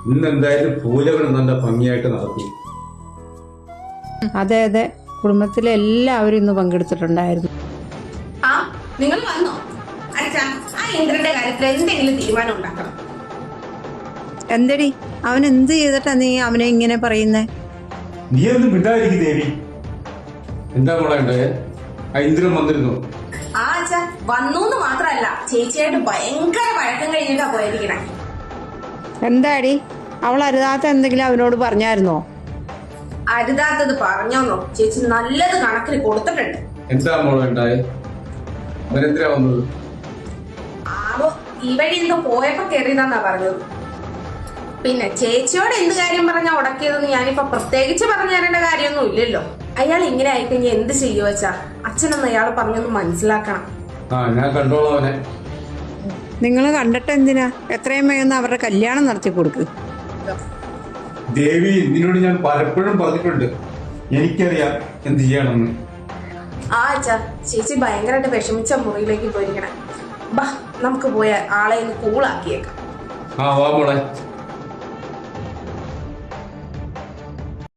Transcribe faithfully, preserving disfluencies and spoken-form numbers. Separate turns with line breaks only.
ഇന്ന് എന്തായാലും പൂജകൾ നല്ല ഭംഗിയായിട്ട് നടത്തി.
അതെ അതെ, കുടുംബത്തിലെ എല്ലാവരും ഇന്ന് പങ്കെടുത്തിട്ടുണ്ടായിരുന്നു.
ആ നിങ്ങൾ വന്നോ? അച്ഛാ, ആ ഇന്ദ്രന്റെ കാര്യത്തിൽ എന്തെങ്കിലും തീരുമാനം ഉണ്ടാക്കണം.
എന്തടി, അവൻ എന്ത് ചെയ്തിട്ടാ നീ അവനെ ഇങ്ങനെ പറയുന്നേ?
നീ ഒന്നും മിണ്ടായിരിക്കും ദേവി. എന്താ മോളെ ഉണ്ടായേ? ആ ഇന്ദ്രൻ വന്നിരുന്നു.
ആ അച്ഛാ, വന്നൂന്ന് മാത്രല്ല, ചേച്ചിയായിട്ട് ഭയങ്കര വഴക്കം കഴിഞ്ഞിട്ടാ പോയിരിക്കണേ.
എന്താടി, അവൾ അരുതാത്ത എന്തെങ്കിലും അവനോട് പറഞ്ഞായിരുന്നോ?
അരുതാത്തത് പറഞ്ഞോന്നോ? ചേച്ചി നല്ലത് കണക്കിന് കൊടുത്തിട്ടുണ്ട്.
എന്താ മോളെ ഉണ്ടായേ? അവനെന്തിനാ വന്നത്?
ആവോ, ഈ വഴി എന്തോ പോയപ്പോ കയറിയതാന്നാ പറഞ്ഞത്. പിന്നെ ചേച്ചിയോട് എന്ത് കാര്യം പറഞ്ഞാ ഉടക്കിയതെന്ന് ഞാനിപ്പോ പ്രത്യേകിച്ച് പറഞ്ഞു തരേണ്ട കാര്യമൊന്നും ഇല്ലല്ലോ. അയാൾ ഇങ്ങനെ ആയിക്കഴിഞ്ഞാൽ എന്ത് ചെയ്യുവോ വെച്ചാ? അച്ഛനൊന്ന് അയാൾ പറഞ്ഞൊന്ന് മനസ്സിലാക്കണം.
ആ ഞാൻ കണ്ടോളാം അവനെ.
നിങ്ങൾ കണ്ടിട്ട് എന്തിനാ? എത്രയും വേഗം അവരുടെ കല്യാണം നടത്തി കൊടുക്ക്.
ദേവി, നിന്നോട് ഞാൻ പലപ്പോഴും പറഞ്ഞിട്ടുണ്ട്, എനിക്കറിയാം എന്ത് ചെയ്യണമെന്ന്.
ആ അച്ഛാ, ചേച്ചി ഭയങ്കരമായിട്ട് വിഷമിച്ച മുറിയിലേക്ക് പോയിരിക്കണേ. ബാ, നമുക്ക് പോയ ആളെ ഒന്ന് കൂളാക്കിയേക്കാം.
ആ വാ മോളെ.